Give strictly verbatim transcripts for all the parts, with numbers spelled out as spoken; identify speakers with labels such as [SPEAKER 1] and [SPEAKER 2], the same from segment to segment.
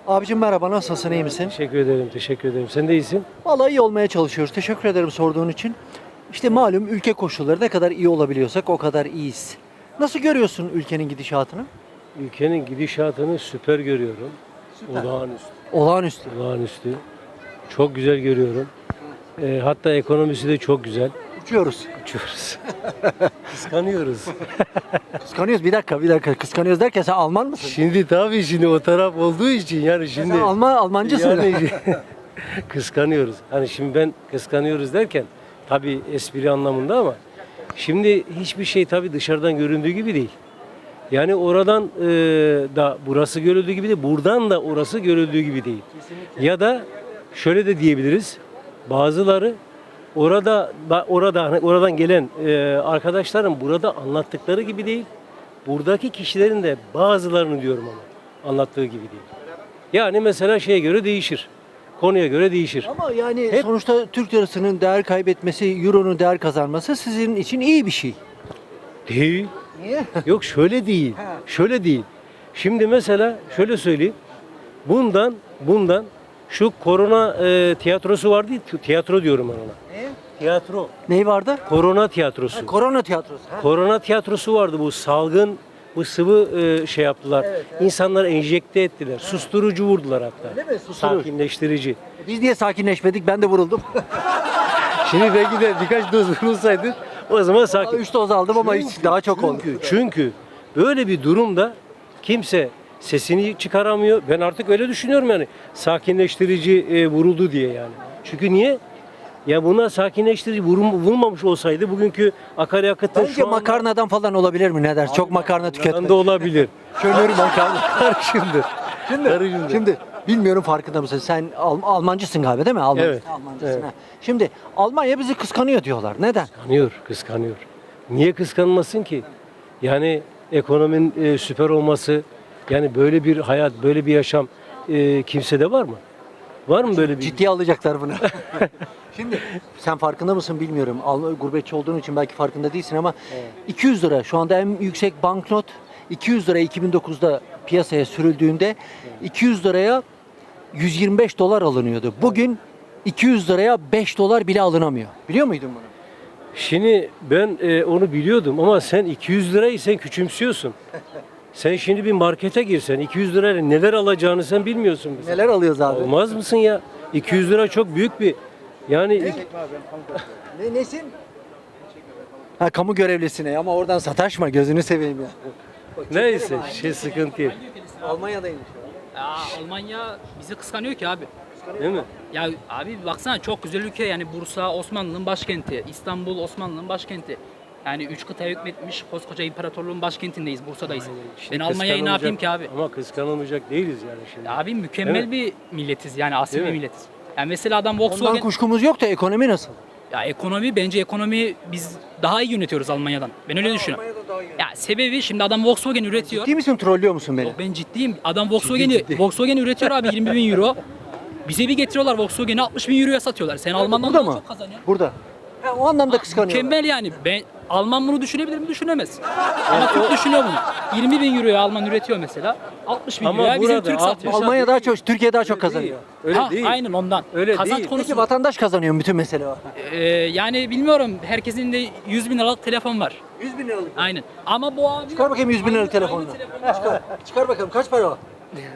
[SPEAKER 1] Abicim merhaba, nasılsın, iyi misin?
[SPEAKER 2] Teşekkür ederim, teşekkür ederim. Sen de iyisin.
[SPEAKER 1] Vallahi iyi olmaya çalışıyoruz. Teşekkür ederim sorduğun için. İşte malum ülke koşulları ne kadar iyi olabiliyorsak o kadar iyiyiz. Nasıl görüyorsun ülkenin gidişatını?
[SPEAKER 2] Ülkenin gidişatını süper görüyorum.
[SPEAKER 1] Süper.
[SPEAKER 2] Olağanüstü,
[SPEAKER 1] Olağanüstü.
[SPEAKER 2] olağanüstü. Çok güzel görüyorum. Ee, hatta ekonomisi de çok güzel.
[SPEAKER 1] Uçuyoruz.
[SPEAKER 2] Uçuyoruz. Kıskanıyoruz.
[SPEAKER 1] Kıskanıyoruz. Bir dakika, bir dakika. Kıskanıyoruz derken sen Alman mısın?
[SPEAKER 2] Şimdi tabii şimdi o taraf olduğu için yani şimdi...
[SPEAKER 1] Sen Alman, Almancısın.
[SPEAKER 2] Yani kıskanıyoruz. Hani şimdi ben kıskanıyoruz derken tabii espri anlamında ama şimdi hiçbir şey tabii dışarıdan göründüğü gibi değil. Yani oradan e, da burası görüldüğü gibi değil, buradan da orası görüldüğü gibi değil.
[SPEAKER 1] Kesinlikle.
[SPEAKER 2] Ya da şöyle de diyebiliriz. Bazıları orada ba- orada hani oradan gelen e, arkadaşların burada anlattıkları gibi değil. Buradaki kişilerin de bazılarını diyorum ama anlattığı gibi değil. Yani mesela şeye göre değişir. Konuya göre değişir.
[SPEAKER 1] Ama yani
[SPEAKER 2] Hep-
[SPEAKER 1] sonuçta Türk lirasının değer kaybetmesi, euronun değer kazanması sizin için iyi bir şey.
[SPEAKER 2] Değil.
[SPEAKER 1] Niye?
[SPEAKER 2] Yok şöyle değil.
[SPEAKER 1] Ha.
[SPEAKER 2] Şöyle değil. Şimdi mesela şöyle söyleyeyim. Bundan bundan şu korona e, tiyatrosu vardı. ya, Tiyatro diyorum ben ona.
[SPEAKER 1] Ne?
[SPEAKER 2] Tiyatro.
[SPEAKER 1] Ney vardı?
[SPEAKER 2] Korona tiyatrosu.
[SPEAKER 1] Ha, korona tiyatrosu. Ha.
[SPEAKER 2] Korona tiyatrosu vardı, bu salgın, bu sıvı e, şey yaptılar.
[SPEAKER 1] Evet, evet.
[SPEAKER 2] İnsanları enjekte ettiler. Susturucu vurdular hatta.
[SPEAKER 1] Öyle mi? Susturucu.
[SPEAKER 2] Sakinleştirici.
[SPEAKER 1] Biz niye sakinleşmedik? Ben de vuruldum.
[SPEAKER 2] Şimdi belki de birkaç doz vurulsaydı o zaman sakin.
[SPEAKER 1] Üç doz aldım ama hiç daha çok oldu.
[SPEAKER 2] Çünkü, çünkü böyle bir durumda kimse sesini çıkaramıyor. Ben artık öyle düşünüyorum yani. Sakinleştirici e, vuruldu diye yani. Çünkü niye? Ya buna sakinleştirici vurum, vurulmamış olsaydı bugünkü akaryakıtın
[SPEAKER 1] Bence
[SPEAKER 2] şu anda...
[SPEAKER 1] makarnadan falan olabilir mi? Ne dersin? Çok makarna
[SPEAKER 2] Bundan
[SPEAKER 1] tüketmek.
[SPEAKER 2] da olabilir.
[SPEAKER 1] Kömür makarna.
[SPEAKER 2] Karışımdır.
[SPEAKER 1] Şimdi,
[SPEAKER 2] Karışımdır.
[SPEAKER 1] şimdi bilmiyorum farkında mısın? Sen Al- Almancısın galiba değil mi? Alman,
[SPEAKER 2] Evet,
[SPEAKER 1] Almancısın.
[SPEAKER 2] evet.
[SPEAKER 1] ha. Şimdi Almanya bizi kıskanıyor diyorlar. Neden?
[SPEAKER 2] Kıskanıyor, kıskanıyor. Niye kıskanmasın ki? Yani ekonominin e, süper olması, yani böyle bir hayat, böyle bir yaşam e, kimsede var mı? Var mı böyle bir?
[SPEAKER 1] Ciddiye alacaklar bunu. Şimdi sen farkında mısın bilmiyorum. Al- Gurbetçi olduğun için belki farkında değilsin ama iki yüz lira şu anda en yüksek banknot iki yüz lira iki bin dokuzda piyasaya sürüldüğünde iki yüz liraya yüz yirmi beş dolar alınıyordu. Bugün iki yüz liraya beş dolar bile alınamıyor. Biliyor muydun bunu?
[SPEAKER 2] Şimdi ben e, onu biliyordum ama sen iki yüz lirayı sen küçümsüyorsun. Sen şimdi bir markete girsen iki yüz lirayla neler alacağını sen bilmiyorsun. mesela.
[SPEAKER 1] Neler alıyoruz abi?
[SPEAKER 2] Olmaz mısın ya? iki yüz lira çok büyük bir yani iki-
[SPEAKER 1] Ne, nesin? Ha, kamu görevlisine ama oradan sataşma gözünü seveyim ya.
[SPEAKER 2] neyse şey sıkıntı yok.
[SPEAKER 1] Almanya'daymış.
[SPEAKER 3] Ya Almanya bizi kıskanıyor ki abi.
[SPEAKER 2] Değil mi?
[SPEAKER 3] Ya abi baksana çok güzel ülke yani Bursa Osmanlı'nın başkenti, İstanbul Osmanlı'nın başkenti. Yani üç kıtaya hükmetmiş koskoca imparatorluğun başkentindeyiz, Bursa'dayız.
[SPEAKER 2] Şimdi
[SPEAKER 3] Ben Almanya'yı ne yapayım ki abi?
[SPEAKER 2] Ama kıskanılmayacak değiliz yani şimdi.
[SPEAKER 3] Ya abi mükemmel
[SPEAKER 2] Değil mi?
[SPEAKER 3] bir milletiz yani asil
[SPEAKER 2] Değil
[SPEAKER 3] bir
[SPEAKER 2] mi?
[SPEAKER 3] milletiz. Yani mesela adam
[SPEAKER 1] Ondan
[SPEAKER 3] Volkswagen...
[SPEAKER 1] kuşkumuz yok da ekonomi nasıl?
[SPEAKER 3] Ya ekonomi bence ekonomi biz daha iyi yönetiyoruz Almanya'dan. Ben öyle düşünüyorum. Ya sebebi şimdi adam Volkswagen üretiyor.
[SPEAKER 1] Ciddi misin, trollüyor musun beni?
[SPEAKER 3] Yok, ben ciddiyim. Adam Volkswagen'i Volkswagen üretiyor abi yirmi bin euro. Bize bir getiriyorlar Volkswagen'i altmış bin euroya satıyorlar. Sen Alman'dan
[SPEAKER 1] Burada
[SPEAKER 3] daha
[SPEAKER 1] mı?
[SPEAKER 3] çok kazanıyorsun.
[SPEAKER 1] Burada. Ha, o anlamda kıskanıyorlar.
[SPEAKER 3] Mükemmel yani. Ben Alman bunu düşünebilir mi? Düşünemez. Ama Türk düşünüyor bunu. yirmi bin euroya Alman üretiyor mesela. altmış bin
[SPEAKER 2] Ama
[SPEAKER 3] euroya bizim
[SPEAKER 2] burada
[SPEAKER 3] Türk satıyor.
[SPEAKER 2] altmış-
[SPEAKER 1] Almanya daha çok, Türkiye daha çok
[SPEAKER 2] Öyle
[SPEAKER 1] kazanıyor.
[SPEAKER 2] değil. Öyle
[SPEAKER 3] ha,
[SPEAKER 2] değil.
[SPEAKER 3] Aynen ondan.
[SPEAKER 2] Öyle
[SPEAKER 3] Kazanç
[SPEAKER 2] değil.
[SPEAKER 3] konusu.
[SPEAKER 1] Peki vatandaş kazanıyor mu? Bütün mesele var.
[SPEAKER 3] Ee, yani bilmiyorum. Herkesin de yüz bin liralık telefon var.
[SPEAKER 1] yüz bin liralık.
[SPEAKER 3] Aynen. Ama bu abi...
[SPEAKER 1] Çıkar bakayım yüz bin liralık
[SPEAKER 3] Aynı-
[SPEAKER 1] telefonunu.
[SPEAKER 3] aynı telefonu
[SPEAKER 1] Çıkar. Çıkar bakalım kaç para o?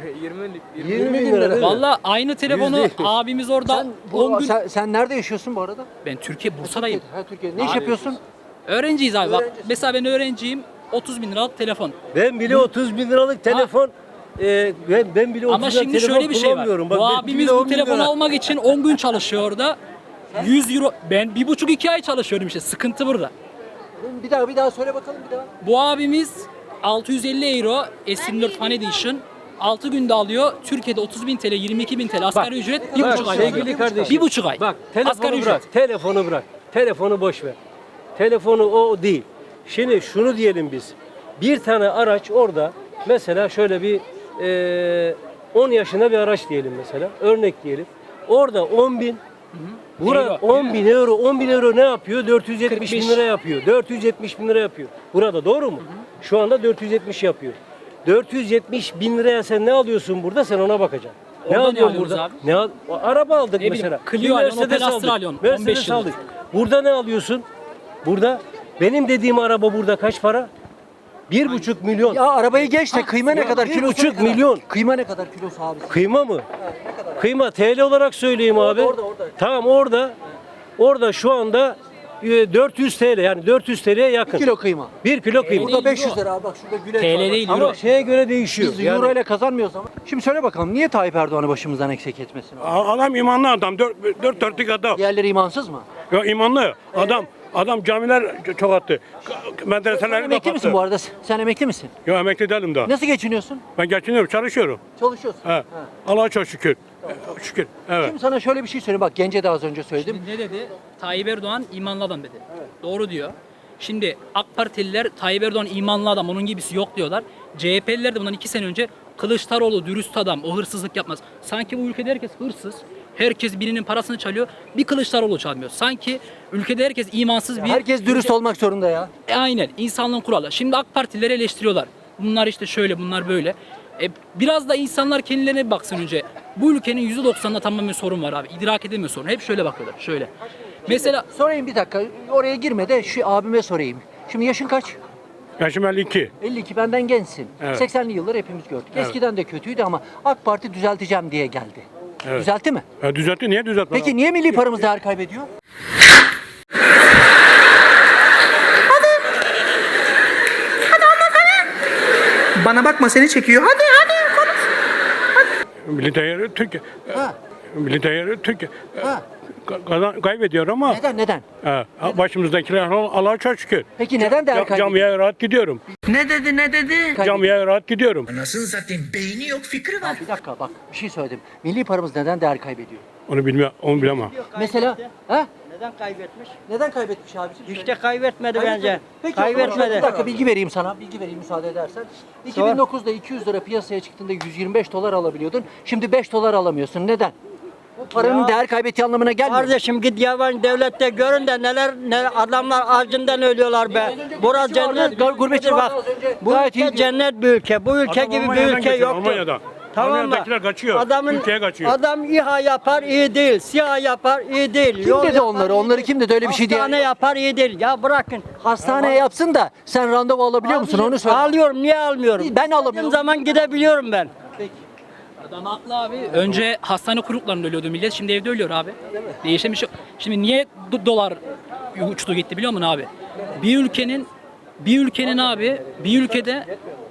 [SPEAKER 2] yirmi bin lira değil mi?
[SPEAKER 3] Valla aynı telefonu
[SPEAKER 2] değil.
[SPEAKER 3] abimiz orada
[SPEAKER 1] Sen, bu,
[SPEAKER 3] on gün...
[SPEAKER 1] sen, sen nerede yaşıyorsun bu arada?
[SPEAKER 3] Ben Türkiye Bursa'dayım.
[SPEAKER 1] Ha, Türkiye. Ne iş yapıyorsun?
[SPEAKER 3] Öğrenciyiz abi. Bak,
[SPEAKER 1] Öğrencisin.
[SPEAKER 3] mesela ben öğrenciyim. otuz bin liralık telefon.
[SPEAKER 2] Ben bile otuz bin liralık telefon e, ben, ben bile otuz
[SPEAKER 3] Ama
[SPEAKER 2] bin liralık
[SPEAKER 3] şimdi
[SPEAKER 2] telefon
[SPEAKER 3] şöyle bir şey var.
[SPEAKER 2] kullanmıyorum. Bak,
[SPEAKER 3] Bu
[SPEAKER 2] ben
[SPEAKER 3] abimiz
[SPEAKER 2] bile on
[SPEAKER 3] bu
[SPEAKER 2] bin
[SPEAKER 3] telefonu
[SPEAKER 2] lira.
[SPEAKER 3] almak için on gün çalışıyor orada. yüz euro. Ben bir buçuk iki ay çalışıyorum işte. Sıkıntı burada.
[SPEAKER 1] Bir daha bir daha söyle bakalım bir daha.
[SPEAKER 3] Bu abimiz altı yüz elli euro S yirmi dört Fan Edition altı günde alıyor. Türkiye'de otuz bin T L, yirmi iki bin T L asgari ücret bir
[SPEAKER 2] Bak,
[SPEAKER 3] buçuk ay.
[SPEAKER 2] sevgili
[SPEAKER 3] alıyor.
[SPEAKER 2] kardeşim.
[SPEAKER 3] Bir buçuk ay.
[SPEAKER 2] Bak telefonu
[SPEAKER 3] Asgari
[SPEAKER 2] bırak.
[SPEAKER 3] ücret.
[SPEAKER 2] Telefonu bırak. Telefonu boş ver. Telefonu o değil. Şimdi şunu diyelim biz. Bir tane araç orada mesela şöyle bir e, on yaşında bir araç diyelim mesela. Örnek diyelim. Orada on bin Burada
[SPEAKER 3] Euro.
[SPEAKER 2] on bin euro, on bin euro ne yapıyor? dört yüz yetmiş bin
[SPEAKER 3] kırk beş.
[SPEAKER 2] lira yapıyor. dört yüz yetmiş bin lira yapıyor. Burada doğru mu? Şu anda dört yüz yetmiş yapıyor. dört yüz yetmiş bin liraya sen ne alıyorsun burada? Sen ona bakacaksın. Ne
[SPEAKER 3] Orada ne
[SPEAKER 2] alıyorsun
[SPEAKER 3] alıyoruz
[SPEAKER 2] burada?
[SPEAKER 3] abi?
[SPEAKER 2] Ne al? Araba aldık
[SPEAKER 3] Ne
[SPEAKER 2] mesela.
[SPEAKER 3] bileyim,
[SPEAKER 2] Bir
[SPEAKER 3] Clio alıyorsun,
[SPEAKER 2] Mercedes
[SPEAKER 3] Opel Astra
[SPEAKER 2] aldık.
[SPEAKER 3] alıyorsun, on beş
[SPEAKER 2] Mercedes
[SPEAKER 3] yıllık.
[SPEAKER 2] aldık. Burada ne alıyorsun? Burada benim dediğim araba burada kaç para? Bir buçuk milyon.
[SPEAKER 1] Ya arabayı geç de kıyma ne
[SPEAKER 2] ya
[SPEAKER 1] kadar
[SPEAKER 2] bir
[SPEAKER 1] kilosu?
[SPEAKER 2] buçuk
[SPEAKER 1] ne kadar?
[SPEAKER 2] milyon.
[SPEAKER 1] Kıyma ne kadar kilosu abi?
[SPEAKER 2] Kıyma mı? Kıyma T L olarak söyleyeyim abi.
[SPEAKER 1] orada, orada.
[SPEAKER 2] Tamam orada. Orada şu anda e, dört yüz T L yani dört yüz T L'ye yakın.
[SPEAKER 1] Bir kilo kıyma.
[SPEAKER 2] Bir kilo kıyma.
[SPEAKER 1] Burada beş yüz lira abi, bak şurada güleç
[SPEAKER 3] T L
[SPEAKER 1] var.
[SPEAKER 3] değil,
[SPEAKER 2] Ama
[SPEAKER 3] euro.
[SPEAKER 2] şeye göre değişiyor.
[SPEAKER 1] Biz
[SPEAKER 2] Yani-
[SPEAKER 1] euro ile kazanmıyoruz ama. Şimdi söyle bakalım, niye Tayyip Erdoğan'ı başımızdan eksik etmesin?
[SPEAKER 4] Adam imanlı adam. Dört, dört dörtlük adam.
[SPEAKER 1] Diğerleri imansız mı?
[SPEAKER 4] Ya imanlı adam. Adam camiler çok attı.
[SPEAKER 1] Sen
[SPEAKER 4] Medreseleri
[SPEAKER 1] emekli misin
[SPEAKER 4] kapattı.
[SPEAKER 1] bu arada? Sen emekli misin?
[SPEAKER 4] Yok emekli değilim daha.
[SPEAKER 1] Nasıl geçiniyorsun?
[SPEAKER 4] Ben geçiniyorum, çalışıyorum.
[SPEAKER 1] Çalışıyorsun.
[SPEAKER 4] He.
[SPEAKER 1] Ha.
[SPEAKER 4] Allah'a çok şükür. Şükür. Evet.
[SPEAKER 1] Şimdi sana şöyle bir şey söyleyeyim. Bak Gence de az önce söyledim.
[SPEAKER 3] Şimdi ne dedi? Tayyip Erdoğan imanlı adam dedi. Doğru diyor. Şimdi AK Partililer Tayyip Erdoğan imanlı adam, onun gibisi yok diyorlar. C H P'liler de bundan iki sene önce Kılıçdaroğlu dürüst adam, o hırsızlık yapmaz. Sanki bu ülkede herkes hırsız. Herkes birinin parasını çalıyor. Bir Kılıçdaroğlu çalmıyor. Sanki ülkede herkes imansız bir...
[SPEAKER 1] Herkes dürüst olmak zorunda ya.
[SPEAKER 3] E, aynen. İnsanlığın kuralı. Şimdi AK Partilileri eleştiriyorlar. Bunlar işte şöyle, bunlar böyle. E, biraz da insanlar kendilerine bir baksın önce. Bu ülkenin yüzde doksanında tamamen sorun var abi. İdrak edemiyor sorun. Hep şöyle bakıyorlar. Şöyle. Mesela
[SPEAKER 1] Sorayım bir dakika. Oraya girme de şu abime sorayım. Şimdi yaşın kaç?
[SPEAKER 4] Yaşım elli iki.
[SPEAKER 1] elli iki, benden gençsin.
[SPEAKER 4] Evet.
[SPEAKER 1] seksenli yıllar hepimiz gördük.
[SPEAKER 4] Evet.
[SPEAKER 1] Eskiden de kötüydü ama AK Parti düzelteceğim diye geldi.
[SPEAKER 4] Evet.
[SPEAKER 1] Düzeltti mi?
[SPEAKER 4] Ya düzeltti. Niye düzeltmedi?
[SPEAKER 1] Peki niye milli paramız değer kaybediyor?
[SPEAKER 5] Bana bakma seni çekiyor. Hadi hadi konuş.
[SPEAKER 4] Milli değeri Türkiye.
[SPEAKER 1] Ha.
[SPEAKER 4] Milli değeri Türkiye.
[SPEAKER 1] Ha.
[SPEAKER 4] Ka- kazan- kaybediyor ama
[SPEAKER 1] Neden neden?
[SPEAKER 4] he, başımızdakiler Allah'a çok şükür.
[SPEAKER 1] Peki neden değer
[SPEAKER 4] Cam-
[SPEAKER 1] kaybediyor?
[SPEAKER 4] Camiye rahat gidiyorum.
[SPEAKER 5] Ne dedi ne dedi?
[SPEAKER 4] Camiye rahat gidiyorum.
[SPEAKER 5] Anasını satayım beyni yok fikri var.
[SPEAKER 1] Bir dakika bak bir şey söyledim. Milli paramız neden değer kaybediyor?
[SPEAKER 4] Onu bilmiyorum, onu bilemem.
[SPEAKER 1] Mesela ha?
[SPEAKER 6] Neden kaybetmiş?
[SPEAKER 1] Neden kaybetmiş abicim?
[SPEAKER 6] İşte kaybetmedi
[SPEAKER 1] Kaybetmedi.
[SPEAKER 6] bence.
[SPEAKER 1] Peki, o zaman
[SPEAKER 6] Kaybetmedi.
[SPEAKER 1] Bir dakika bilgi vereyim sana. Bilgi vereyim müsaade edersen. iki bin dokuzda iki yüz lira piyasaya çıktığında yüz yirmi beş dolar alabiliyordun. Şimdi beş dolar alamıyorsun. Neden? Bu paranın
[SPEAKER 6] Ya-
[SPEAKER 1] değer kaybettiği anlamına gelmiyor.
[SPEAKER 6] Kardeşim git yabancı devlette görün de neler ne adamlar acından ölüyorlar be. Burası
[SPEAKER 1] gurbetçi vardı,
[SPEAKER 6] cennet
[SPEAKER 1] gar- gurbetçi
[SPEAKER 6] bak.
[SPEAKER 1] vardı az önce.
[SPEAKER 6] Bu
[SPEAKER 1] Gayet
[SPEAKER 6] ülke
[SPEAKER 1] iyiydi.
[SPEAKER 6] cennet bir ülke. Bu ülke
[SPEAKER 4] Adam
[SPEAKER 6] gibi bir
[SPEAKER 4] Almanya'dan
[SPEAKER 6] ülke
[SPEAKER 4] geçiyor,
[SPEAKER 6] yoktur.
[SPEAKER 4] Almanya'dan.
[SPEAKER 6] Tamam mı?
[SPEAKER 4] Almanya'dakiler kaçıyor, Türkiye'ye kaçıyor.
[SPEAKER 6] Adam İHA yapar iyi değil, SİHA yapar iyi değil.
[SPEAKER 1] Kim
[SPEAKER 6] yol
[SPEAKER 1] dedi
[SPEAKER 6] yapar,
[SPEAKER 1] onları?
[SPEAKER 6] iyi
[SPEAKER 1] Onları
[SPEAKER 6] değil.
[SPEAKER 1] kim dedi? Öyle bir şey diye-
[SPEAKER 6] Hastane yapar iyi değil. Ya bırakın.
[SPEAKER 1] Hastaneye yapsın da sen randevu alabiliyor musun? Onu söyle.
[SPEAKER 6] Alıyorum niye almıyorum?
[SPEAKER 1] Ben alamıyorum.
[SPEAKER 6] İstediğim zaman gidebiliyorum ben.
[SPEAKER 3] adam haklı abi. Önce hastane kuyruklarında ölüyordu millet. Şimdi evde ölüyor abi. Değişen bir şey yok. Şimdi niye do- dolar uçtu gitti biliyor musun abi? Bir ülkenin bir ülkenin abi bir ülkede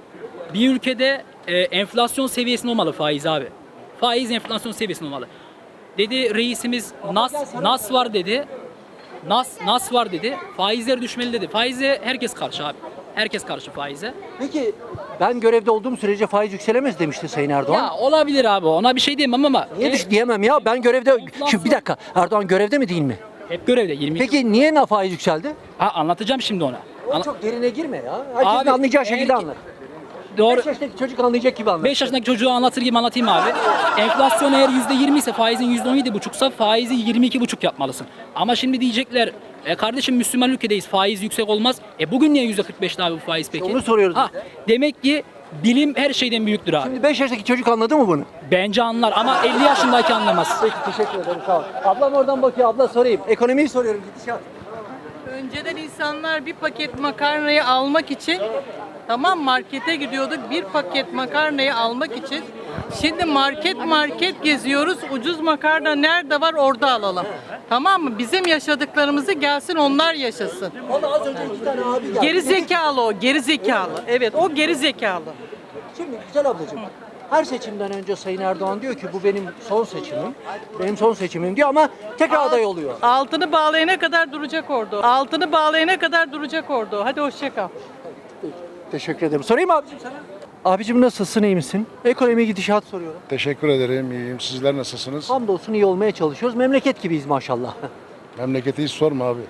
[SPEAKER 3] bir ülkede e, enflasyon seviyesinde olmalı faiz abi. Faiz enflasyon seviyesinde olmalı. Dedi reisimiz nas nas var dedi. Nas nas var dedi. Faizler düşmeli dedi. Faize herkes karşı abi. Herkes karşı faize.
[SPEAKER 1] Peki ben görevde olduğum sürece faiz yükselemez demişti Sayın Erdoğan.
[SPEAKER 3] Ya olabilir abi. Ona bir şey diyemem ama
[SPEAKER 1] Niye
[SPEAKER 3] e,
[SPEAKER 1] düş diyemem ya? Ben görevde...
[SPEAKER 3] Enflasyon-
[SPEAKER 1] Şimdi bir dakika. Erdoğan görevde mi değil mi?
[SPEAKER 3] hep görevde yirmi.
[SPEAKER 1] Peki niye na faiz yükseldi?
[SPEAKER 3] Ha, anlatacağım şimdi ona.
[SPEAKER 1] O
[SPEAKER 3] Ana-
[SPEAKER 1] çok derine girme ya. Herkesin
[SPEAKER 3] Abi,
[SPEAKER 1] anlayacağı şekilde
[SPEAKER 3] eğer-
[SPEAKER 1] anlat.
[SPEAKER 3] Doğru.
[SPEAKER 1] beş yaşındaki çocuk anlayacak gibi anlat.
[SPEAKER 3] beş yaşındaki çocuğu anlatır gibi anlatayım abi. Enflasyon eğer yüzde yirmi ise faizin yüzde on yedi buçuksa faizi yirmi iki buçuk yapmalısın. Ama şimdi diyecekler e kardeşim Müslüman ülkedeyiz faiz yüksek olmaz. E bugün niye yüzde kırk beşte abi bu faiz peki?
[SPEAKER 1] onu soruyoruz
[SPEAKER 3] Ha,
[SPEAKER 1] biz de.
[SPEAKER 3] demek ki bilim her şeyden büyüktür abi.
[SPEAKER 1] Şimdi beş yaşındaki çocuk anladı mı bunu?
[SPEAKER 3] Bence anlar ama elli yaşındaki anlamaz.
[SPEAKER 1] Peki teşekkür ederim sağ ol. Ablam oradan bakıyor, abla sorayım. Ekonomiyi soruyorum gidişat.
[SPEAKER 7] Önceden insanlar bir paket makarnayı almak için tamam markete gidiyorduk bir paket makarnayı almak için. Şimdi market market geziyoruz. Ucuz makarna nerede var orada alalım. Tamam mı? Bizim yaşadıklarımızı gelsin onlar yaşasın.
[SPEAKER 1] Valla az önce iki tane abi geldi.
[SPEAKER 7] Geri zekalı o, geri zekalı. Evet, o geri zekalı.
[SPEAKER 1] Şimdi güzel ablacığım. Her seçimden önce Sayın Erdoğan diyor ki bu benim son seçimim. Benim son seçimim diyor ama tekrar aday oluyor.
[SPEAKER 7] Altını bağlayana kadar duracak orada. Altını bağlayana kadar duracak orada. Hadi hoşça kal.
[SPEAKER 1] Teşekkür ederim. Sorayım mı abicim sana? Abicim nasılsın, iyi misin? Ekonomi gidişat soruyorum.
[SPEAKER 8] Teşekkür ederim. İyiyim. Sizler nasılsınız?
[SPEAKER 1] Hamdolsun iyi olmaya çalışıyoruz. Memleket gibiyiz maşallah.
[SPEAKER 8] Memleketi hiç sorma abi.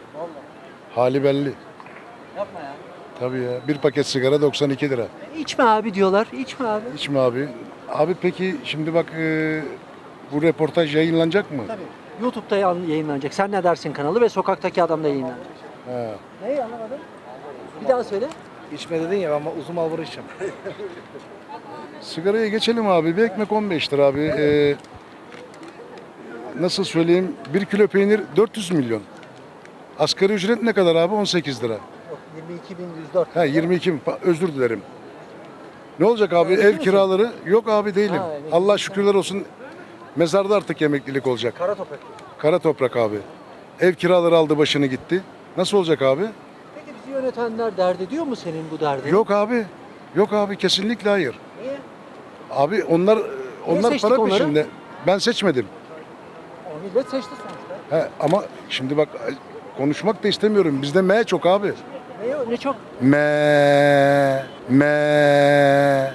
[SPEAKER 8] Hali belli.
[SPEAKER 1] Yapma ya.
[SPEAKER 8] Tabii ya. Bir paket sigara doksan iki lira.
[SPEAKER 1] İçme abi diyorlar. İçme abi.
[SPEAKER 8] Hiç mi abi? Abi peki şimdi bak e, bu röportaj yayınlanacak mı?
[SPEAKER 1] Tabii. YouTube'da yan- yayınlanacak. Sen ne dersin kanalı ve sokaktaki adam da yayınlanacak.
[SPEAKER 8] Ha.
[SPEAKER 1] Neyi anlamadım? Bir daha söyle.
[SPEAKER 9] İçme dedin ya ben uzun mal içeceğim.
[SPEAKER 8] Sigaraya geçelim abi. Bir ekmek on beş lira abi. Ee, nasıl söyleyeyim? Bir kilo peynir dört yüz milyon. Asgari ücret ne kadar abi? on sekiz lira.
[SPEAKER 1] yirmi iki bin yüz dört.
[SPEAKER 8] Ha yirmi iki bin. Pa- Özür dilerim. Ne olacak abi? Ev kiraları? Yok abi değilim.
[SPEAKER 1] Ha, emekli
[SPEAKER 8] Allah şükürler olsun. Mezarda artık emeklilik olacak.
[SPEAKER 1] Kara toprak.
[SPEAKER 8] Kara toprak abi. Ev kiraları aldı başını gitti. Nasıl olacak abi?
[SPEAKER 1] Peki bizi yönetenler dert ediyor mu senin bu derdini?
[SPEAKER 8] Yok abi. Yok abi kesinlikle hayır.
[SPEAKER 1] Niye?
[SPEAKER 8] Abi onlar onlar
[SPEAKER 1] seçtik
[SPEAKER 8] para
[SPEAKER 1] onları?
[SPEAKER 8] peşinde. Ben seçmedim.
[SPEAKER 1] O millet seçti sonuçta.
[SPEAKER 8] He, ama şimdi bak konuşmak da istemiyorum. Bizde M çok abi.
[SPEAKER 1] Ne, ne çok?
[SPEAKER 8] M M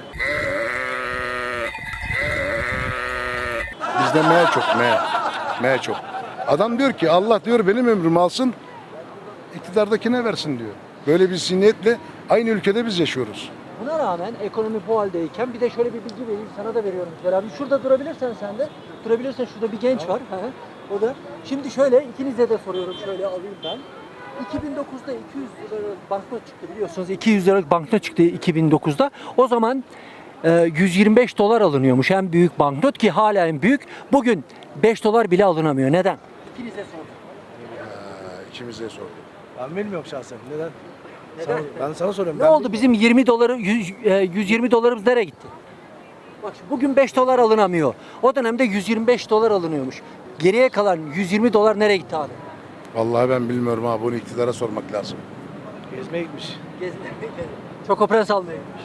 [SPEAKER 8] Bizde M çok M. M çok. Adam diyor ki Allah diyor benim ömrümü alsın, iktidardakine versin diyor. Böyle bir zihniyetle aynı ülkede biz yaşıyoruz.
[SPEAKER 1] Buna rağmen ekonomi bu haldeyken bir de şöyle bir bilgi vereyim sana da veriyorum Güzel abi. Şurada durabilirsen sen de. Durabilirsen şurada bir genç var. Hı hı. O da. Şimdi şöyle ikinize de soruyorum şöyle alayım ben. iki bin dokuzda iki yüz liralık banknot çıktı biliyorsunuz. iki yüz liralık banknot çıktı iki bin dokuzda. O zaman e, yüz yirmi beş dolar alınıyormuş en büyük banknot ki hala en büyük. Bugün beş dolar bile alınamıyor. Neden? İkinize sordum.
[SPEAKER 8] İçimize sorduk.
[SPEAKER 9] Ben bilmiyorum şahsen. Neden?
[SPEAKER 1] Neden?
[SPEAKER 9] Sana- ben sana soruyorum.
[SPEAKER 1] Ne
[SPEAKER 9] ben
[SPEAKER 1] oldu bizim yirmi doları yüz, e, yüz yirmi dolarımız nereye gitti? Bak şimdi bugün beş dolar alınamıyor. O dönemde yüz yirmi beş dolar alınıyormuş. Geriye kalan yüz yirmi dolar nereye gitti abi?
[SPEAKER 8] Vallahi ben bilmiyorum abi, bunu iktidara sormak lazım.
[SPEAKER 9] Gezmeye gitmiş.
[SPEAKER 1] Çokopres almaya gitmiş.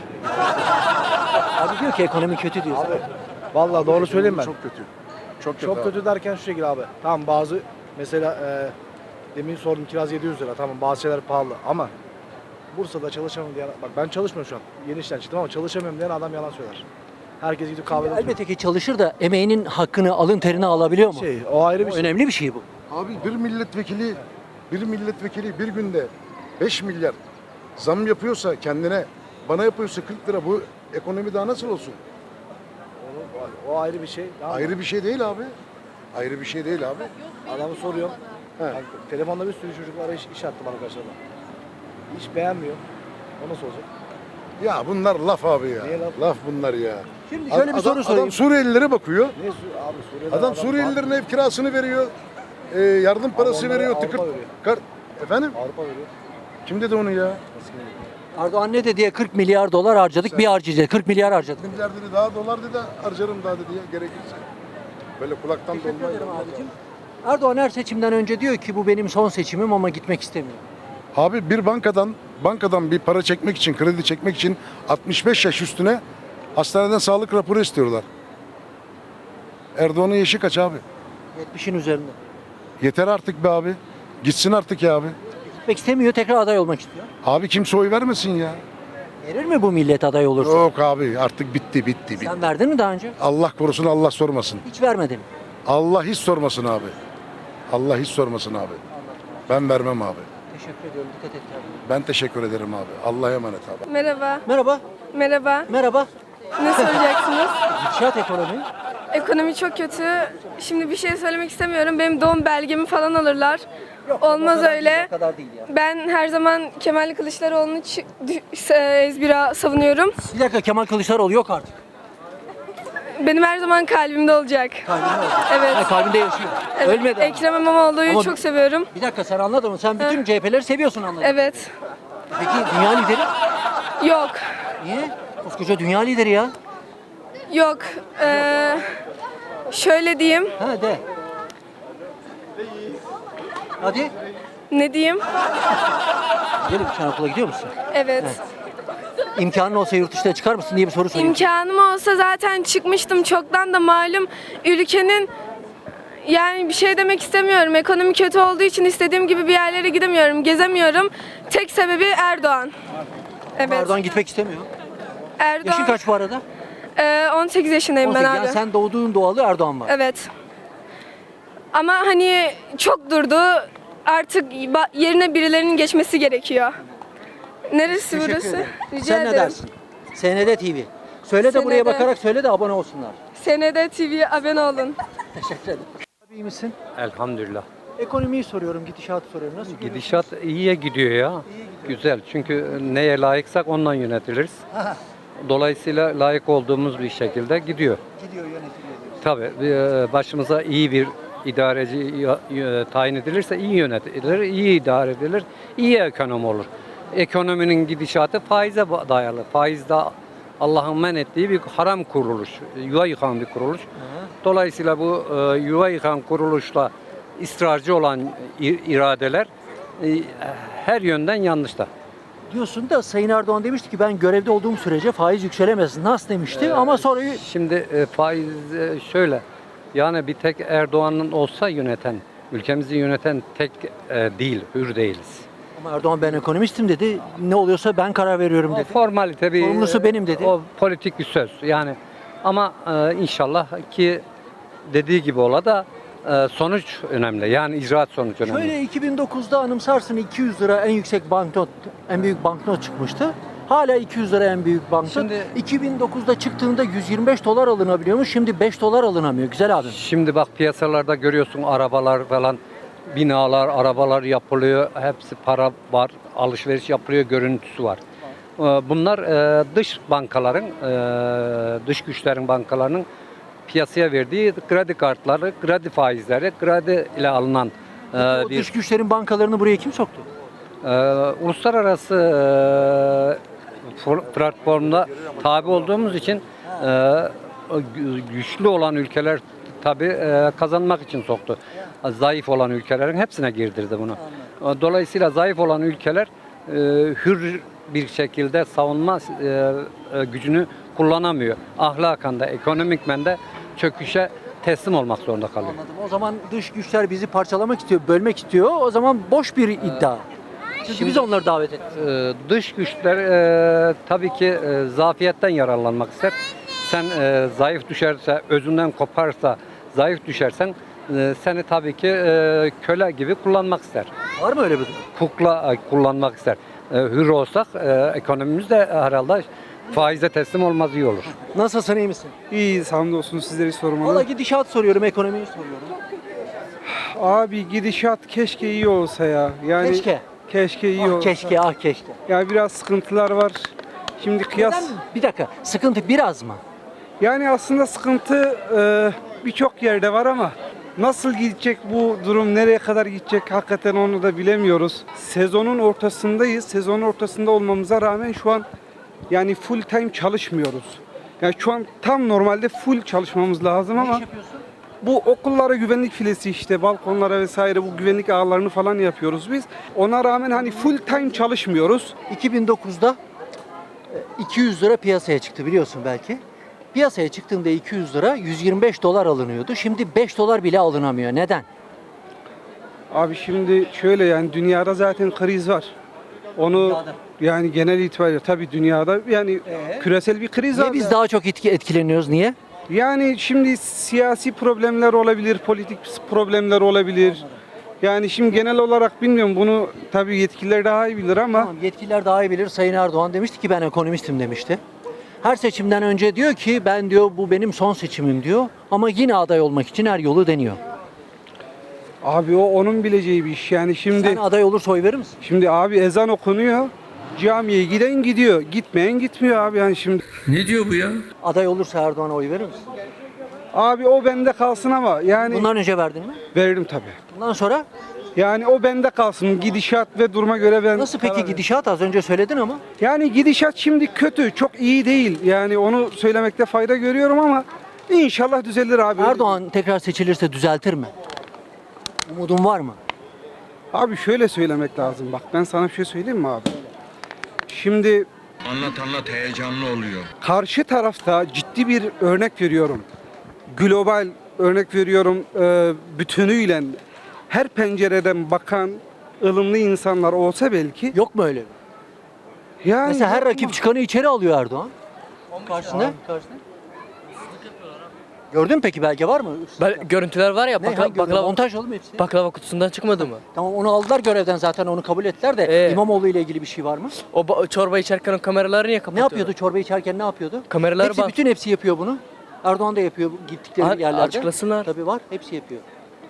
[SPEAKER 1] Abi diyor ki ekonomi kötü diyor.
[SPEAKER 9] Abi vallahi doğru söyleyeyim ben.
[SPEAKER 8] Çok kötü. Çok kötü.
[SPEAKER 9] Çok
[SPEAKER 8] abi.
[SPEAKER 9] kötü derken şu şekilde abi. Tamam bazı mesela e, demin sordum kiraz yedi yüz lira. Tamam bazı şeyler pahalı ama Bursa'da çalışamam diyen, bak ben çalışmıyorum şu an. Yeni işten çıktım ama çalışamıyorum diyen adam yalan söyler. Herkes gidip kahvede oturuyor.
[SPEAKER 1] Elbette ki çalışır da emeğinin hakkını, alın terini alabiliyor mu?
[SPEAKER 9] Şey, o ayrı bir
[SPEAKER 1] O
[SPEAKER 9] şey.
[SPEAKER 1] önemli bir şey bu.
[SPEAKER 8] Abi bir milletvekili bir milletvekili bir günde beş milyar zam yapıyorsa kendine, bana yapıyorsa kırk lira, bu ekonomi daha nasıl olsun?
[SPEAKER 9] O, o ayrı bir şey. Tamam mı?
[SPEAKER 8] Ayrı bir şey değil abi. Ayrı bir şey değil abi.
[SPEAKER 9] Adamı soruyorum.
[SPEAKER 8] He.
[SPEAKER 9] Yani telefonda bir sürü çocuklara iş, iş attı bana karşılığında. Hiç beğenmiyor. O nasıl olacak?
[SPEAKER 8] Ya bunlar laf abi ya.
[SPEAKER 9] Niye laf?
[SPEAKER 8] Laf bunlar ya.
[SPEAKER 1] Şimdi şöyle bir
[SPEAKER 8] adam,
[SPEAKER 1] soru sorayım.
[SPEAKER 8] Adam Suriyelilere bakıyor.
[SPEAKER 9] Niye Su- abi Suriye'den
[SPEAKER 8] Adam Suriyelilerin ev kirasını veriyor. e, yardım parası
[SPEAKER 9] onlara
[SPEAKER 8] veriyor.
[SPEAKER 9] Avrupa
[SPEAKER 8] Tıkır.
[SPEAKER 9] veriyor.
[SPEAKER 8] Kar, efendim?
[SPEAKER 9] Avrupa veriyor.
[SPEAKER 8] Kim dedi onu ya?
[SPEAKER 1] Erdoğan ne dedi diye kırk milyar dolar harcadık, bir harcayacağız. kırk milyar harcadık.
[SPEAKER 8] Milyar dedi, daha dolar dedi, harcarım daha dedi ya, gerekirse. Böyle kulaktan
[SPEAKER 1] Teşekkür
[SPEAKER 8] dolma.
[SPEAKER 1] ederim abicim. Erdoğan her seçimden önce diyor ki bu benim son seçimim ama gitmek istemiyorum.
[SPEAKER 8] Abi bir bankadan bankadan bir para çekmek için, kredi çekmek için altmış beş yaş üstüne hastaneden sağlık raporu istiyorlar. Erdoğan'ın yaşı kaç abi?
[SPEAKER 1] yetmişin üzerinde.
[SPEAKER 8] Yeter artık be abi. Gitsin artık ya abi.
[SPEAKER 1] Gitmek istemiyor, tekrar aday olmak istiyor.
[SPEAKER 8] Abi kimse oy vermesin ya.
[SPEAKER 1] Verir mi bu millet aday olursa?
[SPEAKER 8] Yok abi, artık bitti bitti bitti.
[SPEAKER 1] Sen verdin mi daha önce?
[SPEAKER 8] Allah korusun, Allah sormasın.
[SPEAKER 1] Hiç vermedin.
[SPEAKER 8] Allah hiç sormasın abi. Allah hiç sormasın abi. Ben vermem abi.
[SPEAKER 1] Teşekkür ediyorum. Dikkat et kendine.
[SPEAKER 8] Ben teşekkür ederim abi. Allah'a emanet abi.
[SPEAKER 10] Merhaba.
[SPEAKER 1] Merhaba.
[SPEAKER 10] Merhaba.
[SPEAKER 1] Merhaba.
[SPEAKER 10] Ne soracaksınız?
[SPEAKER 1] Gidişat ekonomi.
[SPEAKER 10] Ekonomi çok kötü. Şimdi bir şey söylemek istemiyorum. Benim doğum belgemi falan alırlar. Olmaz
[SPEAKER 1] O kadar
[SPEAKER 10] öyle.
[SPEAKER 1] değil, o kadar değil ya.
[SPEAKER 10] Ben her zaman Kemal Kılıçdaroğlu'nu çı- dü- e, ezbira savunuyorum.
[SPEAKER 1] Bir dakika, Kemal Kılıçdaroğlu yok artık.
[SPEAKER 10] Benim her zaman kalbimde olacak.
[SPEAKER 1] Kalbinde olacak.
[SPEAKER 10] Evet.
[SPEAKER 1] Ha, kalbinde yaşıyor.
[SPEAKER 10] Evet.
[SPEAKER 1] Ölmedi ama.
[SPEAKER 10] Ekrem İmamoğlu'yu
[SPEAKER 1] Ama-
[SPEAKER 10] çok seviyorum.
[SPEAKER 1] Bir dakika, sen anladın mı? Sen bütün C H P'leri seviyorsun anladın.
[SPEAKER 10] Evet.
[SPEAKER 1] Peki dünya lideri?
[SPEAKER 10] Yok.
[SPEAKER 1] Niye? Koskoca dünya lideri ya.
[SPEAKER 10] Yok. Ee, şöyle diyeyim.
[SPEAKER 1] Ha de. Hadi.
[SPEAKER 10] Ne diyeyim?
[SPEAKER 1] Gelin, sen okula gidiyor musun?
[SPEAKER 10] Evet.
[SPEAKER 1] İmkanın olsa yurt dışına çıkar mısın diye bir soru sorayım.
[SPEAKER 10] İmkanım olsa zaten çıkmıştım. Çoktan da malum ülkenin, yani bir şey demek istemiyorum. Ekonomi kötü olduğu için istediğim gibi bir yerlere gidemiyorum, gezemiyorum. Tek sebebi Erdoğan. Evet.
[SPEAKER 1] Erdoğan gitmek istemiyor.
[SPEAKER 10] Erdoğan.
[SPEAKER 1] Yaşın kaç bu arada?
[SPEAKER 10] Ee, on sekiz yaşındayım ben
[SPEAKER 1] on sekiz.
[SPEAKER 10] abi.
[SPEAKER 1] Yani sen doğduğun doğalı Erdoğan var.
[SPEAKER 10] Evet. Ama hani çok durdu. Artık ba- yerine birilerinin geçmesi gerekiyor. Neresi
[SPEAKER 1] Teşekkür
[SPEAKER 10] burası?
[SPEAKER 1] ederim.
[SPEAKER 10] Rica
[SPEAKER 1] Sen
[SPEAKER 10] ederim.
[SPEAKER 1] ne dersin? S N D T V. Söyle de buraya
[SPEAKER 10] S N D.
[SPEAKER 1] bakarak söyle de abone olsunlar.
[SPEAKER 10] S N D T V'ye abone olun.
[SPEAKER 1] Teşekkür ederim. Abi iyi misin?
[SPEAKER 11] Elhamdülillah.
[SPEAKER 1] Ekonomiyi soruyorum, gidişatı soruyorum. Nasıl görüyorsunuz?
[SPEAKER 11] Gidişat iyiye gidiyor ya. Güzel. Çünkü neye layıksak ondan yönetiliriz.
[SPEAKER 1] Aha,
[SPEAKER 11] Dolayısıyla layık olduğumuz bir şekilde gidiyor.
[SPEAKER 1] gidiyor, yönetiliyor diyorsun.
[SPEAKER 11] Tabii e, başımıza iyi bir idareci ya- e, tayin edilirse iyi yönetilir, iyi idare edilir, iyi ekonomi olur. Ekonominin gidişatı faize ba- dayalı. Faiz de Allah'ın men ettiği bir haram kuruluş, yuva yıkan bir kuruluş. Dolayısıyla bu e, yuva yıkan kuruluşla ısrarcı olan i- iradeler e, her yönden yanlışta.
[SPEAKER 1] Diyorsun da Sayın Erdoğan demişti ki ben görevde olduğum sürece faiz yükselemez. Nasıl demişti ama sonra
[SPEAKER 11] Şimdi e, faiz e, şöyle, yani bir tek Erdoğan'ın olsa yöneten, ülkemizi yöneten tek e, değil, hür değiliz.
[SPEAKER 1] ama Erdoğan ben ekonomistim dedi. Ne oluyorsa ben karar veriyorum
[SPEAKER 11] O
[SPEAKER 1] dedi.
[SPEAKER 11] formalite bir,
[SPEAKER 1] Sorumlusu benim dedi.
[SPEAKER 11] O politik bir söz yani, ama e, inşallah ki dediği gibi ola da e, sonuç önemli, yani icraat sonuç önemli.
[SPEAKER 1] Şöyle iki bin dokuzda anımsarsın iki yüz lira en yüksek banknot, en büyük banknot çıkmıştı. Hala iki yüz lira en büyük banknot.
[SPEAKER 11] Şimdi-
[SPEAKER 1] iki bin dokuzda çıktığında yüz yirmi beş dolar alınabiliyormuş. Şimdi beş dolar alınamıyor. Güzel abim.
[SPEAKER 11] Şimdi bak piyasalarda görüyorsun arabalar falan, binalar, arabalar yapılıyor. Hepsi para var, alışveriş yapılıyor, görüntüsü var. Ee, Bunlar e, dış bankaların, e, dış güçlerin bankalarının piyasaya verdiği kredi kartları, kredi faizleri, kredi ile alınan e,
[SPEAKER 1] O
[SPEAKER 11] bir
[SPEAKER 1] dış güçlerin bankalarını buraya kim soktu?
[SPEAKER 11] e, uluslararası e, for- platformda tabi olduğumuz için e, o gü- güçlü olan ülkeler tabi e, kazanmak için soktu. Zayıf olan ülkelerin hepsine girdirdi bunu. E, Dolayısıyla zayıf olan ülkeler e, hür bir şekilde savunma e, e, gücünü kullanamıyor. Ahlaken de ekonomikmen de çöküşe teslim olmak zorunda kalıyor.
[SPEAKER 1] Anladım. O zaman dış güçler bizi parçalamak istiyor, bölmek istiyor. O zaman boş bir iddia. Çünkü biz onları davet ettik.
[SPEAKER 11] Ee, dış güçler e, tabii ki e, zafiyetten yararlanmak ister. Sen e, zayıf düşerse, özünden koparsa, zayıf düşersen e, seni tabii ki e, köle gibi kullanmak ister.
[SPEAKER 1] Var mı öyle bir durum?
[SPEAKER 11] Kukla e, kullanmak ister. E, hür olsak e, ekonomimiz de herhalde faize teslim olmaz, iyi olur.
[SPEAKER 1] Nasılsın, iyi misin?
[SPEAKER 12] İyiyiz hamdolsun, sizleri sormalı.
[SPEAKER 1] Valla gidişat soruyorum, ekonomiyi soruyorum.
[SPEAKER 12] Abi gidişat keşke iyi olsa ya. Yani
[SPEAKER 1] Keşke.
[SPEAKER 12] Keşke iyi
[SPEAKER 1] Ah
[SPEAKER 12] olsa.
[SPEAKER 1] keşke, ah keşke.
[SPEAKER 12] Ya biraz sıkıntılar var. Şimdi kıyas.
[SPEAKER 1] Neden? Bir dakika, sıkıntı biraz mı?
[SPEAKER 12] Yani aslında sıkıntı e, birçok yerde var ama nasıl gidecek bu durum, nereye kadar gidecek hakikaten onu da bilemiyoruz. Sezonun ortasındayız. Sezonun ortasında olmamıza rağmen şu an yani full time çalışmıyoruz. Yani şu an tam normalde full çalışmamız lazım ama bu okullara güvenlik filesi, işte balkonlara vesaire bu güvenlik ağlarını falan yapıyoruz biz. Ona rağmen hani full time çalışmıyoruz.
[SPEAKER 1] iki bin dokuzda e, iki yüz lira piyasaya çıktı biliyorsun belki. Piyasaya çıktığında iki yüz lira yüz yirmi beş dolar alınıyordu. Şimdi beş dolar bile alınamıyor. Neden?
[SPEAKER 12] Abi şimdi şöyle, yani dünyada zaten kriz var. Onu
[SPEAKER 1] Dünyada.
[SPEAKER 12] yani genel itibariyle tabii dünyada yani
[SPEAKER 1] Ee?
[SPEAKER 12] küresel bir kriz var.
[SPEAKER 1] Niye biz daha çok etki, etkileniyoruz? Niye?
[SPEAKER 12] Yani şimdi siyasi problemler olabilir, politik problemler olabilir. Yani şimdi genel olarak bilmiyorum, bunu tabii yetkililer daha iyi bilir ama
[SPEAKER 1] Tamam, yetkililer daha iyi bilir. Sayın Erdoğan demişti ki ben ekonomistim demişti. Her seçimden önce diyor ki ben diyor bu benim son seçimim diyor. Ama yine aday olmak için her yolu deniyor.
[SPEAKER 12] abi o onun bileceği bir iş. Yani şimdi
[SPEAKER 1] Sen aday olursa oy verir misin?
[SPEAKER 12] şimdi abi ezan okunuyor. Camiye giden gidiyor, gitmeyen gitmiyor abi yani şimdi.
[SPEAKER 1] Aday olursa Erdoğan'a oy verir misin?
[SPEAKER 12] Abi o bende kalsın ama yani
[SPEAKER 1] Bundan önce verdin mi?
[SPEAKER 12] veririm tabii.
[SPEAKER 1] Bundan sonra
[SPEAKER 12] Yani o bende kalsın. Gidişat ve duruma göre ben
[SPEAKER 1] nasıl
[SPEAKER 12] karar
[SPEAKER 1] peki
[SPEAKER 12] veririm.
[SPEAKER 1] gidişat? Az önce söyledin ama.
[SPEAKER 12] Yani gidişat şimdi kötü, çok iyi değil. Yani onu söylemekte fayda görüyorum ama inşallah düzelir abi.
[SPEAKER 1] Erdoğan tekrar seçilirse düzeltir mi? Umudun var mı?
[SPEAKER 12] Abi şöyle söylemek lazım. Bak ben sana bir şey söyleyeyim mi abi? Şimdi
[SPEAKER 13] Anlat anlat, heyecanlı oluyor.
[SPEAKER 12] karşı tarafta ciddi bir örnek veriyorum. Global örnek veriyorum, e, bütünüyle her pencereden bakan ılımlı insanlar olsa belki.
[SPEAKER 1] Yok mu öyle?
[SPEAKER 12] Yani
[SPEAKER 1] Mesela her
[SPEAKER 12] yok mu?
[SPEAKER 1] rakip çıkanı içeri alıyor Erdoğan. Karşısında. Karşısında. Gördün mü peki, belge var mı?
[SPEAKER 14] Ben, görüntüler var ya,
[SPEAKER 1] Ne,
[SPEAKER 14] bakla-
[SPEAKER 1] hangi-
[SPEAKER 14] baklava,
[SPEAKER 1] montaj oğlum hepsi.
[SPEAKER 14] baklava kutusundan çıkmadı mı?
[SPEAKER 1] Tamam, onu aldılar görevden, zaten onu kabul ettiler de
[SPEAKER 14] Ee?
[SPEAKER 1] İmamoğlu ile ilgili bir şey var mı?
[SPEAKER 14] O ba- çorba içerken o kameraları niye
[SPEAKER 1] Ne
[SPEAKER 14] kapatıyor?
[SPEAKER 1] yapıyordu çorba içerken, ne yapıyordu?
[SPEAKER 14] Kameraları
[SPEAKER 1] hepsi,
[SPEAKER 14] bak.
[SPEAKER 1] bütün hepsi yapıyor bunu. Erdoğan da yapıyor bu gittikleri
[SPEAKER 14] A-
[SPEAKER 1] yerlerde.
[SPEAKER 14] açıklasınlar.
[SPEAKER 1] Tabii var, hepsi yapıyor.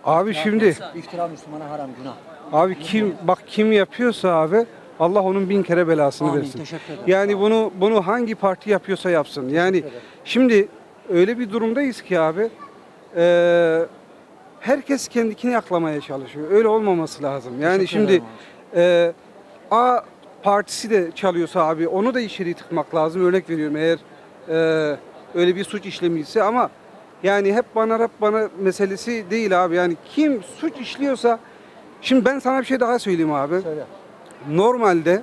[SPEAKER 12] Abi şimdi
[SPEAKER 1] İftira Müslümana haram, günah.
[SPEAKER 12] abi kim bak kim yapıyorsa abi Allah onun bin kere belasını
[SPEAKER 1] Amin,
[SPEAKER 12] versin.
[SPEAKER 1] teşekkür ederim.
[SPEAKER 12] Yani bunu bunu hangi parti yapıyorsa yapsın. Yani şimdi öyle bir durumdayız ki abi e, herkes kendini aklamaya çalışıyor. Öyle olmaması lazım. Yani
[SPEAKER 1] Teşekkür
[SPEAKER 12] şimdi
[SPEAKER 1] ederim
[SPEAKER 12] e, A partisi de çalıyorsa abi onu da içeri tıkmak lazım. Örnek veriyorum eğer e, öyle bir suç işlemiyse ama yani hep bana hep bana meselesi değil abi. Yani kim suç işliyorsa şimdi ben sana bir şey daha söyleyeyim abi.
[SPEAKER 1] Söyle.
[SPEAKER 12] Normalde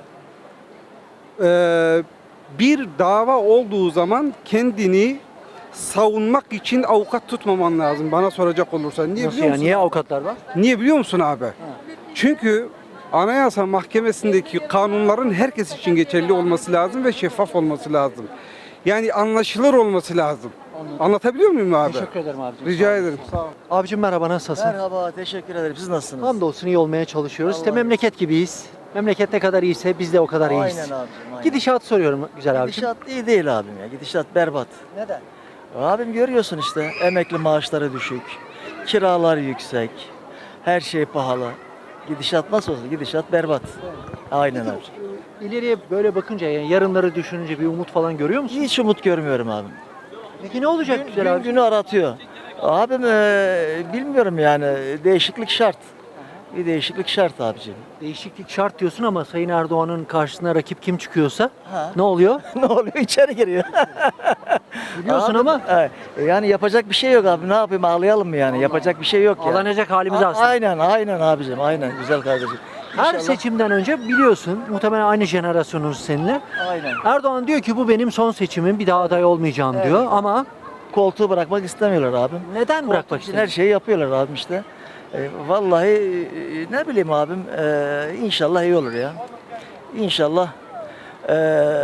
[SPEAKER 12] e, bir dava olduğu zaman kendini savunmak için avukat tutmaman lazım bana soracak olursa. Niye
[SPEAKER 1] Nasıl
[SPEAKER 12] biliyor
[SPEAKER 1] ya?
[SPEAKER 12] musun?
[SPEAKER 1] Niye avukatlar var?
[SPEAKER 12] Niye biliyor musun abi? Çünkü Anayasa Mahkemesi'ndeki kanunların herkes için geçerli olması lazım ve şeffaf olması lazım. Yani anlaşılır olması lazım. Anlatabiliyor muyum abi?
[SPEAKER 1] Teşekkür ederim abicim.
[SPEAKER 12] Rica ederim. Sağ ol.
[SPEAKER 1] Abicim merhaba, nasılsın?
[SPEAKER 6] Merhaba, teşekkür ederim. Siz nasılsınız?
[SPEAKER 1] Hamdolsun iyi olmaya çalışıyoruz. İşte memleket gibiyiz. Memleket ne kadar iyiyse biz de o kadar iyiyiz.
[SPEAKER 6] Aynen abicim, aynen.
[SPEAKER 1] Gidişat soruyorum güzel abicim.
[SPEAKER 6] Gidişat iyi değil abim ya. Gidişat berbat.
[SPEAKER 1] Neden?
[SPEAKER 6] Abim görüyorsun işte emekli maaşları düşük, kiralar yüksek, her şey pahalı. Gidişat nasıl olsun? Gidişat berbat. Aynen abi.
[SPEAKER 1] İleriye böyle bakınca, yani yarınları düşününce bir umut falan görüyor musun?
[SPEAKER 6] Hiç umut görmüyorum abim.
[SPEAKER 1] Peki ne olacak
[SPEAKER 6] Gün,
[SPEAKER 1] güzel
[SPEAKER 6] gün
[SPEAKER 1] abi?
[SPEAKER 6] günü aratıyor. Abim eee, bilmiyorum yani değişiklik şart. Bir değişiklik şart abicim.
[SPEAKER 1] Değişiklik şart diyorsun ama Sayın Erdoğan'ın karşısına rakip kim çıkıyorsa
[SPEAKER 6] Ha.
[SPEAKER 1] ne oluyor?
[SPEAKER 6] Ne oluyor? İçeri giriyor.
[SPEAKER 1] Biliyorsun
[SPEAKER 6] Abi,
[SPEAKER 1] ama
[SPEAKER 6] e, yani yapacak bir şey yok abi. Ne yapayım, ağlayalım mı yani? Yapacak bir şey yok yani.
[SPEAKER 1] ağlanacak halimiz
[SPEAKER 6] A-
[SPEAKER 1] aslında.
[SPEAKER 6] Aynen, aynen abicim. Aynen güzel kardeşim.
[SPEAKER 1] Her
[SPEAKER 6] İnşallah-
[SPEAKER 1] seçimden önce biliyorsun, muhtemelen aynı jenerasyonuz seninle.
[SPEAKER 6] Aynen.
[SPEAKER 1] Erdoğan diyor ki bu benim son seçimim, bir daha aday olmayacağım
[SPEAKER 6] Evet.
[SPEAKER 1] diyor ama
[SPEAKER 6] Koltuğu bırakmak istemiyorlar abim.
[SPEAKER 1] neden bırakmak
[SPEAKER 6] Koltuk için
[SPEAKER 1] istiyor?
[SPEAKER 6] her şeyi yapıyorlar abim işte. E, vallahi e, ne bileyim abim, e, inşallah iyi olur ya. İnşallah e,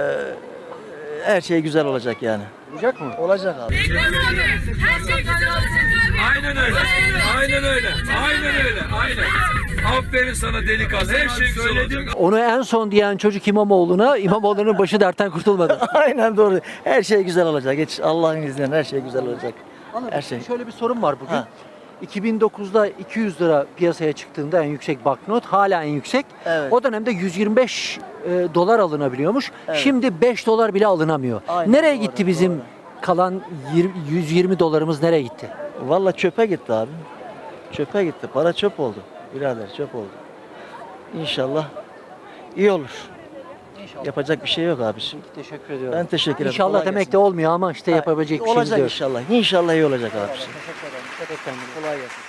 [SPEAKER 6] her şey güzel olacak yani.
[SPEAKER 1] Olacak mı?
[SPEAKER 6] Olacak abi.
[SPEAKER 13] Aynen öyle. Aynen öyle. Aynen öyle. Aynen. Aferin sana delikanlı. Her şey güzel olacak.
[SPEAKER 1] Onu en son diyen çocuk İmamoğlu'na, İmamoğlu'nun başı dertten kurtulmadı.
[SPEAKER 6] Aynen doğru. Her şey güzel olacak. Geç Allah'ın izniyle her şey güzel olacak.
[SPEAKER 1] Anladım.
[SPEAKER 6] Her şey.
[SPEAKER 1] Şöyle bir sorun var bugün.
[SPEAKER 6] Ha.
[SPEAKER 1] iki bin dokuzda iki yüz lira piyasaya çıktığında en yüksek banknot, hala en yüksek.
[SPEAKER 6] Evet.
[SPEAKER 1] O dönemde yüz yirmi beş e, dolar alınabiliyormuş.
[SPEAKER 6] Evet.
[SPEAKER 1] Şimdi beş dolar bile alınamıyor.
[SPEAKER 6] Aynen,
[SPEAKER 1] nereye
[SPEAKER 6] doğru,
[SPEAKER 1] gitti bizim
[SPEAKER 6] doğru.
[SPEAKER 1] kalan yirmi yüz yirmi dolarımız, nereye gitti?
[SPEAKER 6] Vallahi çöpe gitti abi. Çöpe gitti. Para çöp oldu. Birader çöp oldu. İnşallah iyi olur.
[SPEAKER 1] İnşallah.
[SPEAKER 6] Yapacak bir şey yok abiciğim.
[SPEAKER 1] Teşekkür ediyorum.
[SPEAKER 6] Ben teşekkür ederim.
[SPEAKER 1] İnşallah
[SPEAKER 6] Kolay
[SPEAKER 1] demek
[SPEAKER 6] gelsin.
[SPEAKER 1] de olmuyor ama işte yapabilecek bir şeyimiz
[SPEAKER 6] Olacak
[SPEAKER 1] yok.
[SPEAKER 6] inşallah. İnşallah iyi olacak abiciğim.
[SPEAKER 1] Teşekkür ederim. Dikkat et kendine.
[SPEAKER 6] Kolay gelsin.